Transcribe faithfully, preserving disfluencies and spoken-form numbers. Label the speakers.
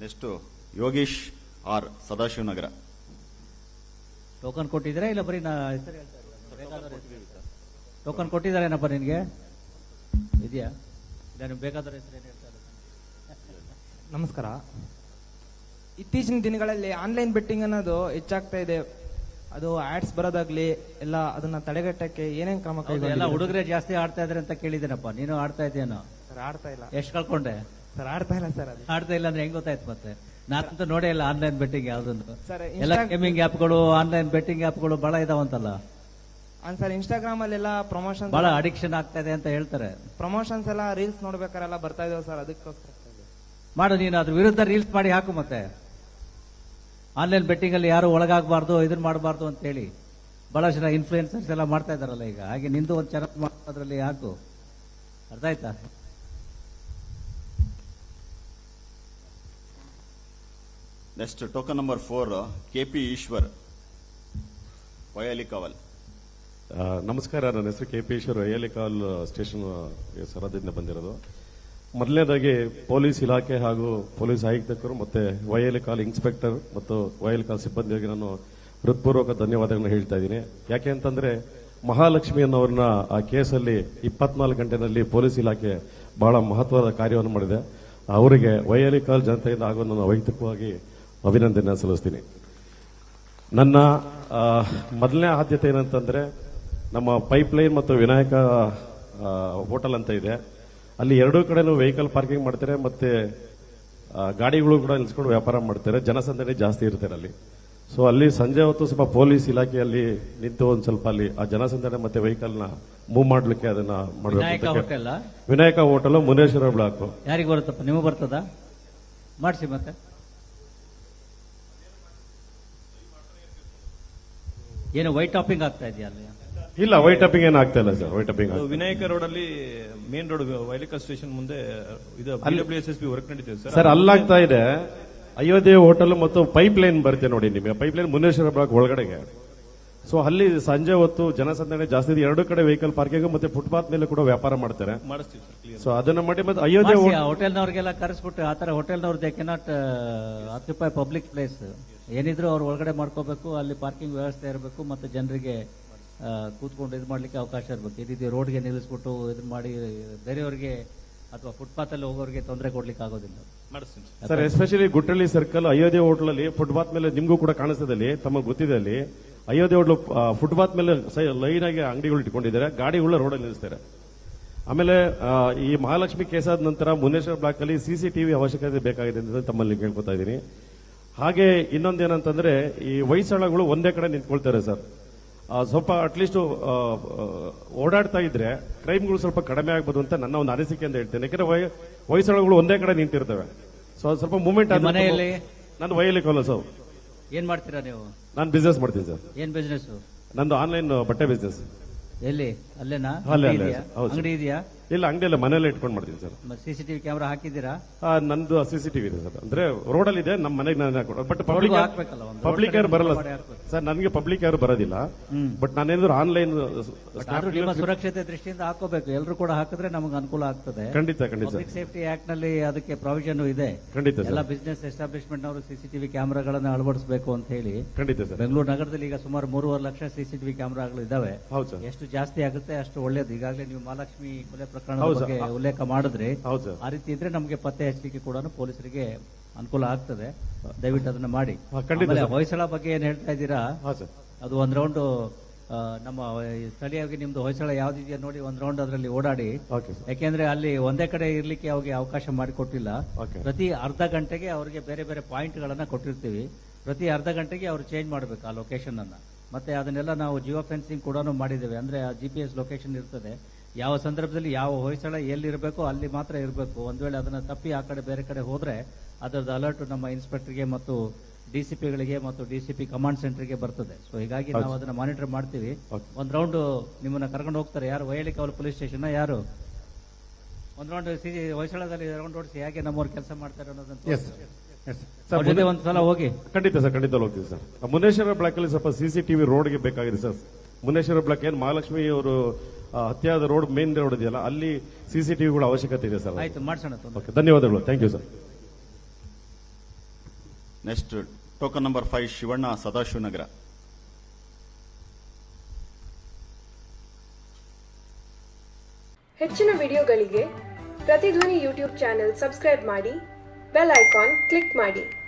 Speaker 1: Next Yogish R Sadashivanagar.
Speaker 2: Token ಕೊಟ್ಟಿದ್ದೀರಾ ಇಲ್ಲ ಬರೀ ನಾ ಹೆಸರು ಹೇಳ್ತಾ ಇಲ್ಲ? ಟೋಕನ್ ಕೊಟ್ಟಿದ್ದಾರೇನಪ್ಪ ನಿನಗೆ? ಇದೆಯಾ? ಇಲ್ಲ ನಿಮ್ಗೆ ಬೇಕಾದವ್ರ ಹೆಸರು ಏನು ಹೇಳ್ತಾ ಇಲ್ಲ?
Speaker 3: ನಮಸ್ಕಾರ. ಇತ್ತೀಚಿನ ದಿನಗಳಲ್ಲಿ ಆನ್ಲೈನ್ ಬೆಟ್ಟಿಂಗ್ ಅನ್ನೋದು ಹೆಚ್ಚಾಗ್ತಾ ಇದೆ. ಅದು ಆಡ್ಸ್ ಬರೋದಾಗ್ಲಿ ಎಲ್ಲ ಅದನ್ನ ತಡೆಗಟ್ಟಕ್ಕೆ ಏನೇನ್ ಕ್ರಮ
Speaker 2: ಎಲ್ಲ
Speaker 3: ಕೈಗೊಂಡಿದ್ದೀರಾ?
Speaker 2: ಹುಡುಗರೇ ಜಾಸ್ತಿ ಆಡ್ತಾ ಇದ್ರೆ ಅಂತ ಕೇಳಿದ್ದೇನಪ್ಪ. ನೀನು ಆಡ್ತಾ ಇದೆಯೇನೋ?
Speaker 3: ಸರ್ ಆಡ್ತಾ ಇಲ್ಲ.
Speaker 2: ಎಷ್ಟು ಕಳ್ಕೊಂಡೆ?
Speaker 3: ಸರ್ ಆಡ್ತಾ ಇಲ್ಲ ಸರ್. ಅದು
Speaker 2: ಆಡ್ತಾ ಇಲ್ಲ ಅಂದ್ರೆ ಹೆಂಗ್ ಗೊತ್ತಾಯ್ತು ಮತ್ತೆ? ನಾನಂತೂ ನೋಡೇ ಇಲ್ಲ ಆನ್ಲೈನ್ ಬೆಟ್ಟಿಂಗ್ ಯಾವ್ದನ್ನು.
Speaker 3: ಸರ್
Speaker 2: ಎಲ್ಲ ಗೇಮಿಂಗ್ ಆಪ್ಗಳು, ಆನ್ಲೈನ್ ಬೆಟ್ಟಿಂಗ್ ಆಪ್ಗಳು ಬಹಳ ಇದಾವಂತಲ್ಲ.
Speaker 3: ಸರ್ ಇನ್ಸ್ಟಾಗ್ರಾಮ್ ಅಲ್ಲೆಲ್ಲ ಪ್ರಮೋಷನ್
Speaker 2: ಬಹಳ ಅಡಿಕ್ಷನ್ ಆಗ್ತಾ ಇದೆ ಅಂತ ಹೇಳ್ತಾರೆ.
Speaker 3: ಪ್ರಮೋಷನ್ಸ್ ಎಲ್ಲ ರೀಲ್ಸ್ ನೋಡ್ಬೇಕಾರೆಲ್ಲ ಬರ್ತಾ ಇದಾವೆ ಸರ್. ಅದಕ್ಕೋಸ್ಕರ
Speaker 2: ಮಾಡು, ನೀನು ಅದ್ರ ವಿರುದ್ಧ ರೀಲ್ಸ್ ಮಾಡಿ ಹಾಕು. ಮತ್ತೆ ಆನ್ಲೈನ್ ಬೆಟ್ಟಿಂಗ್ ಅಲ್ಲಿ ಯಾರು ಒಳಗಾಗಬಾರ್ದು, ಇದನ್ನ ಮಾಡಬಾರ್ದು ಅಂತ ಹೇಳಿ ಬಹಳ ಜನ ಇನ್ಫ್ಲೂಯೆನ್ಸರ್ಸ್ ಎಲ್ಲ ಮಾಡ್ತಾ ಇದಾರಲ್ಲ ಈಗ. ಹಾಗೆ ನಿಂದು ಒಂದು ಚಾನಲ್ ಮಾಡೋದ್ರಲ್ಲಿ ಹಾಕು. ಅರ್ಥ ಆಯ್ತಾ?
Speaker 1: Next token number four K P Eshwar, Vayalikaval.
Speaker 4: ನಮಸ್ಕಾರ, ನನ್ನ ಹೆಸರು K P Eshwar, Vayalikaval station ಸರಹದ್ದಿಂದ ಬಂದಿರೋದು. ಮೊದಲನೇದಾಗಿ ಪೊಲೀಸ್ ಇಲಾಖೆ ಹಾಗೂ ಪೊಲೀಸ್ ಆಯುಕ್ತರು ಮತ್ತೆ ವಯಾಲಿಕಾಲ್ ಇನ್ಸ್ಪೆಕ್ಟರ್ ಮತ್ತು ವಯಾಲಿಕಾಲ್ ಸಿಬ್ಬಂದಿಗೆ ನಾನು ಹೃತ್ಪೂರ್ವಕ ಧನ್ಯವಾದಗಳನ್ನು ಹೇಳ್ತಾ ಇದ್ದೀನಿ. ಯಾಕೆ ಅಂತಂದ್ರೆ ಮಹಾಲಕ್ಷ್ಮಿ ಅನ್ನೋರನ್ನ ಆ ಕೇಸಲ್ಲಿ ಇಪ್ಪತ್ನಾಲ್ಕು ಗಂಟೆನಲ್ಲಿ ಪೊಲೀಸ್ ಇಲಾಖೆ ಬಹಳ ಮಹತ್ವದ ಕಾರ್ಯವನ್ನು ಮಾಡಿದೆ. ಅವರಿಗೆ ವಯಾಲಿಕಾಲ್ ಜನತೆಯಿಂದ ಹಾಗೂ ನಾನು ವೈಯಕ್ತಿಕವಾಗಿ ಅಭಿನಂದನೆ ಸಲ್ಲಿಸ್ತೀನಿ. ನನ್ನ ಮೊದಲನೇ ಆದ್ಯತೆ ಏನಂತಂದ್ರೆ ನಮ್ಮ ಪೈಪ್ ಲೈನ್ ಮತ್ತು ವಿನಾಯಕ ಹೋಟೆಲ್ ಅಂತ ಇದೆ. ಅಲ್ಲಿ ಎರಡೂ ಕಡೆನೂ ವೆಹಿಕಲ್ ಪಾರ್ಕಿಂಗ್ ಮಾಡ್ತಾರೆ ಮತ್ತೆ ಗಾಡಿಗಳು ಕೂಡ ನಿಲ್ಸ್ಕೊಂಡು ವ್ಯಾಪಾರ ಮಾಡ್ತಾರೆ. ಜನಸಂದಣಿ ಜಾಸ್ತಿ ಇರ್ತಾರೆ ಅಲ್ಲಿ. ಸೊ ಅಲ್ಲಿ ಸಂಜೆ ಹೊತ್ತು ಸ್ವಲ್ಪ ಪೊಲೀಸ್ ಇಲಾಖೆಯಲ್ಲಿ ನಿಂತು ಒಂದ್ ಸ್ವಲ್ಪ ಅಲ್ಲಿ ಆ ಜನಸಂದಣಿ ಮತ್ತೆ ವೆಹಿಕಲ್ ನ ಮೂವ್ ಮಾಡ್ಲಿಕ್ಕೆ ಅದನ್ನ ಮಾಡಬೇಕು. Vinayaka hotel Muneshwara block.
Speaker 2: ಯಾರಿಗೆ ಬರುತ್ತಪ್ಪ? ನಿಮಗೆ ಬರ್ತದ? ಮಾಡಿಸಿ. ಮತ್ತೆ ಏನು ವೈಟ್ ಟಾಪಿಂಗ್ ಆಗ್ತಾ ಇದೆಯಾ ಅಲ್ಲಿ?
Speaker 4: ಇಲ್ಲ, ವೈಟ್ ಟಾಪಿಂಗ್ ಏನು ಆಗ್ತಾ ಇಲ್ಲ sir. White topping
Speaker 5: Vinayaka road ಅಲ್ಲಿ ಮೇನ್ ರೋಡ್ ವೈಲಿಕಲ್ ಸ್ಟೇಷನ್ ಮುಂದೆ ಇದು ಡಬ್ಲ್ಯೂಎಸ್ಎಸ್ಪಿ ವರ್ಕ್ ನಡೀತಿದೆ ಸರ್.
Speaker 4: ಸರ್ ಅಲ್ಲಾಗ್ತಾ ಇದೆ. ಅಯೋಧ್ಯೆ ಹೋಟೆಲ್ ಮತ್ತು ಪೈಪ್ ಲೈನ್ ಬರುತ್ತೆ ನೋಡಿ ನಿಮಗೆ. ಪೈಪ್ ಲೈನ್ ಮುನೇಶ್ವರ ಬ್ಲಾಕ್ ಒಳಗಡೆಗೆ. ಸೊ ಅಲ್ಲಿ ಸಂಜೆ ಹೊತ್ತು ಜನಸಂದಣಿ ಜಾಸ್ತಿ ಇದೆ. ಎರಡು ಕಡೆ ವೆಹಿಕಲ್ ಪಾರ್ಕಿಂಗ್ ಮತ್ತೆ ಫುಟ್ಪಾತ್ ಮೇಲೆ ಕೂಡ ವ್ಯಾಪಾರ ಮಾಡ್ತಾರೆ. ಸೊ ಅದನ್ನ ಮಾಡಿ ಮತ್ತೆ ಅಯೋಧ್ಯೆ
Speaker 2: ಹೋಟೆಲ್ನವ್ರಿಗೆಲ್ಲ ಕರೆಸ್ಬಿಟ್ಟು ಆ ತರ ಹೋಟೆಲ್ನವ್ರು they cannot occupy public place. ಏನಿದ್ರು ಅವ್ರು ಒಳಗಡೆ ಮಾಡ್ಕೋಬೇಕು. ಅಲ್ಲಿ ಪಾರ್ಕಿಂಗ್ ವ್ಯವಸ್ಥೆ ಇರಬೇಕು ಮತ್ತೆ ಜನರಿಗೆ ಕೂತ್ಕೊಂಡು ಇದು ಮಾಡ್ಲಿಕ್ಕೆ ಅವಕಾಶ ಇರಬೇಕು. ಈ ರೀತಿ ರೋಡ್ಗೆ ನಿಲ್ಲಿಸ್ಬಿಟ್ಟು ಇದನ್ನ ಮಾಡಿ ಬೇರೆಯವರಿಗೆ ಅಥವಾ ಫುಟ್ಪಾತ್ ಅಲ್ಲಿ ಹೋಗೋರಿಗೆ ತೊಂದರೆ ಕೊಡ್ಲಿಕ್ಕೆ ಆಗೋದಿಲ್ಲ
Speaker 4: sir. Especially Guttahalli circle Ayodhya hotel ಅಲ್ಲಿ ಫುಟ್ಪಾತ್ ಮೇಲೆ ನಿಮ್ಗೂ ಕೂಡ ಕಾಣಿಸ್ತದಲ್ಲಿ ತಮಗೆ ಗೊತ್ತಿದೆ. ಅಲ್ಲಿ ಅಯೋಧ್ಯೆ ಹೋಟ್ಲು ಫುಟ್ಪಾತ್ ಮೇಲೆ ಲೈನ್ ಆಗಿ ಅಂಗಡಿಗಳು ಇಟ್ಕೊಂಡಿದ್ದಾರೆ, ಗಾಡಿಗಳ ರೋಡಲ್ಲಿ ನಿಲ್ಲಿಸ್ತಾರೆ. ಆಮೇಲೆ ಈ ಮಹಾಲಕ್ಷ್ಮಿ ಕೇಸ್ ಆದ ನಂತರ ಮುನೇಶ್ವರ ಬ್ಲಾಕ್ ಅಲ್ಲಿ ಸಿಸಿಟಿವಿ ಅವಶ್ಯಕತೆ ಬೇಕಾಗಿದೆ ಅಂತ ತಮ್ಮಲ್ಲಿ ಕೇಳ್ಕೊತಾ ಇದ್ದೀನಿ. ಹಾಗೆ ಇನ್ನೊಂದೇನಂತಂದ್ರೆ ಈ ವಯಸ್ಸಾಳಗಳು ಒಂದೇ ಕಡೆ ನಿಂತ್ಕೊಳ್ತಾರೆ ಸರ್. ಸ್ವಲ್ಪ ಅಟ್ಲೀಸ್ಟ್ ಓಡಾಡ್ತಾ ಇದ್ರೆ ಕ್ರೈಮ್ಗಳು ಸ್ವಲ್ಪ ಕಡಿಮೆ ಆಗ್ಬೋದು ಅಂತ ನನ್ನ ಒಂದು ಅನಿಸಿಕೆ ಅಂತ ಹೇಳ್ತೇನೆ. ಯಾಕಂದ್ರೆ ವಯಸ್ಸಾಳಗಳು ಒಂದೇ ಕಡೆ ನಿಂತಿರ್ತವೆ. ಸೊ ಸ್ವಲ್ಪ ಮೂವ್ಮೆಂಟ್ ಆದ
Speaker 2: ಮನೆಯಲ್ಲಿ.
Speaker 4: ನಾನು ವಯಾಲಿಕಾವಲ್ ಸರ್.
Speaker 2: ಏನ್ ಮಾಡ್ತೀರಾ ನೀವು?
Speaker 4: ನಾನು ಬಿಸ್ನೆಸ್ ಮಾಡ್ತೀನಿ ಸರ್.
Speaker 2: ಏನ್ ಬಿಸ್ನೆಸ್?
Speaker 4: ನಂದು ಆನ್ಲೈನ್ ಬಟ್ಟೆ ಬಿಸ್ನೆಸ್.
Speaker 2: ಎಲ್ಲಿ? ಅಲ್ಲೇನಾ?
Speaker 4: ಹೌದು.
Speaker 2: ಅಂಗಡಿ ಇದೆಯಾ?
Speaker 4: ಇಲ್ಲ, ಅಂಗಡಿ ಎಲ್ಲ ಮನೆಯಲ್ಲೇ ಇಟ್ಕೊಂಡು ಮಾಡ್ತೀನಿ ಸರ್.
Speaker 2: ಸಿಸಿಟಿವಿ ಕ್ಯಾಮೆರಾ ಹಾಕಿದ್ದೀರಾ?
Speaker 4: ನಂದು ಸಿಸಿಟಿವಿ ಇದೆ ಸರ್. ಅಂದ್ರೆ ರೋಡ್ ಅಲ್ಲಿ ಇದೆ, ನಮ್ಮ ಮನೆಗೆ ನಾನು ಹಾಕೊಡ. ಬಟ್ ಪಬ್ಲಿಕ್ ಪಬ್ಲಿಕ್ ಯಾರು ಬರಲ್ಲ ಸರ್. ನನಗೆ ಪಬ್ಲಿಕ್ ಯಾರು ಬರೋದಿಲ್ಲ. ಬಟ್ ನಾನೇನಾದ್ರು ಆನ್ಲೈನ್
Speaker 2: ನಿಮ್ಮ ಸುರಕ್ಷತೆ ದೃಷ್ಟಿಯಿಂದ ಹಾಕೋಬೇಕು. ಎಲ್ಲರೂ ಕೂಡ ಹಾಕಿದ್ರೆ ನಮಗೆ ಅನುಕೂಲ ಆಗ್ತದೆ.
Speaker 4: ಖಂಡಿತ ಖಂಡಿತ.
Speaker 2: ಪಬ್ಲಿಕ್ ಸೇಫ್ಟಿ ಆಕ್ಟ್ ನಲ್ಲಿ ಅದಕ್ಕೆ ಪ್ರಾವಿಷನ್ ಇದೆ.
Speaker 4: ಖಂಡಿತ.
Speaker 2: ಎಲ್ಲ ಬಿಸಿನೆಸ್ ಎಸ್ಟಾಬ್ಲಿಷ್ಮೆಂಟ್ ನವರು ಸಿಸಿಟಿವಿ ಕ್ಯಾಮೆರಾಗಳನ್ನು ಅಳವಡಿಸಬೇಕು ಅಂತ ಹೇಳಿ.
Speaker 4: ಖಂಡಿತ ಸರ್.
Speaker 2: ಬೆಂಗಳೂರು ನಗರದಲ್ಲಿ ಈಗ ಸುಮಾರು ಮೂರುವರೆ ಲಕ್ಷ ಸಿಸಿಟಿವಿ ಕ್ಯಾಮೆರಾಗಳು ಇದಾವೆ.
Speaker 4: ಹೌದು ಸರ್.
Speaker 2: ಎಷ್ಟು ಜಾಸ್ತಿ ಆಗುತ್ತೆ ಅಷ್ಟು ಒಳ್ಳೇದು. ಈಗಾಗಲೇ ನೀವು ಮಹಾಲಕ್ಷ್ಮಿ ಕೊಲೆ ಪ್ರಕರಣದ ಬಗ್ಗೆ ಉಲ್ಲೇಖ ಮಾಡಿದ್ರೆ ಆ ರೀತಿ ಇದ್ರೆ ನಮಗೆ ಪತ್ತೆ ಹಚ್ಚಲಿಕ್ಕೆ ಕೂಡ ಪೊಲೀಸರಿಗೆ ಅನುಕೂಲ ಆಗ್ತದೆ. ದಯವಿಟ್ಟು ಅದನ್ನ ಮಾಡಿ. ಹೊಯ್ಸಳ ಬಗ್ಗೆ ಏನ್ ಹೇಳ್ತಾ ಇದ್ದೀರಾ? ಅದು ಒಂದ್ ರೌಂಡ್ ನಮ್ಮ ಸ್ಥಳೀಯವಾಗಿ ನಿಮ್ದು ಹೊಯ್ಸಳ ಯಾವ್ದಿದೆಯಾ ನೋಡಿ ಒಂದ್ ರೌಂಡ್ ಅದರಲ್ಲಿ ಓಡಾಡಿ. ಯಾಕೆಂದ್ರೆ ಅಲ್ಲಿ ಒಂದೇ ಕಡೆ ಇರ್ಲಿಕ್ಕೆ ಅವ್ರಿಗೆ ಅವಕಾಶ ಮಾಡಿಕೊಟ್ಟಿಲ್ಲ. ಪ್ರತಿ ಅರ್ಧ ಗಂಟೆಗೆ ಅವರಿಗೆ ಬೇರೆ ಬೇರೆ ಪಾಯಿಂಟ್ ಗಳನ್ನ ಕೊಟ್ಟಿರ್ತೀವಿ. ಪ್ರತಿ ಅರ್ಧ ಗಂಟೆಗೆ ಅವ್ರು ಚೇಂಜ್ ಮಾಡಬೇಕು ಆ ಲೊಕೇಶನ್ ಅನ್ನ. ಮತ್ತೆ ಅದನ್ನೆಲ್ಲ ನಾವು ಜಿಯೋ ಫೆನ್ಸಿಂಗ್ ಕೂಡ ಮಾಡಿದ್ದೇವೆ. ಅಂದ್ರೆ ಆ ಜಿ ಪಿ ಎಸ್ ಲೊಕೇಶನ್ ಇರ್ತದೆ. ಯಾವ ಸಂದರ್ಭದಲ್ಲಿ ಯಾವ ಹೊಯ್ಸಳ ಎಲ್ಲಿರಬೇಕು ಅಲ್ಲಿ ಮಾತ್ರ ಇರಬೇಕು. ಒಂದ್ ವೇಳೆ ಅದನ್ನ ತಪ್ಪಿ ಆ ಕಡೆ ಬೇರೆ ಕಡೆ ಹೋದ್ರೆ ಅದರದ್ದು ಅಲರ್ಟ್ ನಮ್ಮ ಇನ್ಸ್ಪೆಕ್ಟರ್ಗೆ ಮತ್ತು ಡಿಸಿಪಿಗಳಿಗೆ ಮತ್ತು ಡಿಸಿಪಿ ಕಮಾಂಡ್ ಸೆಂಟರ್ಗೆ ಬರ್ತದೆ. ಸೊ ಹೀಗಾಗಿ ನಾವು ಅದನ್ನ ಮಾನಿಟರ್ ಮಾಡ್ತೀವಿ. ಒಂದ್ ರೌಂಡ್ ನಿಮ್ಮನ್ನ ಕರ್ಕೊಂಡು ಹೋಗ್ತಾರೆ. ಯಾರು? ವಯಾಲಿಕಾವಲ್ ಪೊಲೀಸ್ ಸ್ಟೇಷನ್ ಯಾರು? ಒಂದ್ ರೌಂಡ್ ಸಿ ಹೊಯ್ಸಳದಲ್ಲಿ ರೌಂಡ್ ಓಡಿಸಿ ಹೇಗೆ ನಮ್ಮವ್ರು ಕೆಲಸ ಮಾಡ್ತಾರೆ ಅನ್ನೋದನ್ನ ಒಂದ್ಸಲ ಹೋಗಿ.
Speaker 4: ಖಂಡಿತ ಸರ್, ಖಂಡಿತ ಹೋಗ್ತೀವಿ ಸರ್. ಮುನೇಶ್ವರ ಬ್ಲಾಕ್ ಅಲ್ಲಿ ಸ್ವಲ್ಪ ಸಿಸಿಟಿವಿ ರೋಡ್ಗೆ ಬೇಕಾಗಿದೆ ಸರ್. ಮುನೇಶ್ವರ ಬ್ಲಾಕ್ ಏನ್ ಮಹಾಲಕ್ಷ್ಮಿ ಅವರು ಹತ್ಯಾದ ರೋಡ್ ಮೇನ್ ರೋಡ್ ಇದೆಯಲ್ಲ ಅಲ್ಲಿ ಸಿಸಿಟಿವಿಗಳ ಅವಶ್ಯಕತೆ ಇದೆ ಸರ್.
Speaker 2: ಆಯ್ತು, ಮಾಡ್ಸೋಣ.
Speaker 4: ಧನ್ಯವಾದಗಳು. Thank you sir.
Speaker 1: Next token number five Shivanna Sadashivanagar.
Speaker 6: ಹೆಚ್ಚಿನ ವಿಡಿಯೋಗಳಿಗೆ ಪ್ರತಿಧ್ವನಿ ಯೂಟ್ಯೂಬ್ ಚಾನೆಲ್ ಸಬ್ಸ್ಕ್ರೈಬ್ ಮಾಡಿ, ಬೆಲ್ ಐಕಾನ್ ಕ್ಲಿಕ್ ಮಾಡಿ.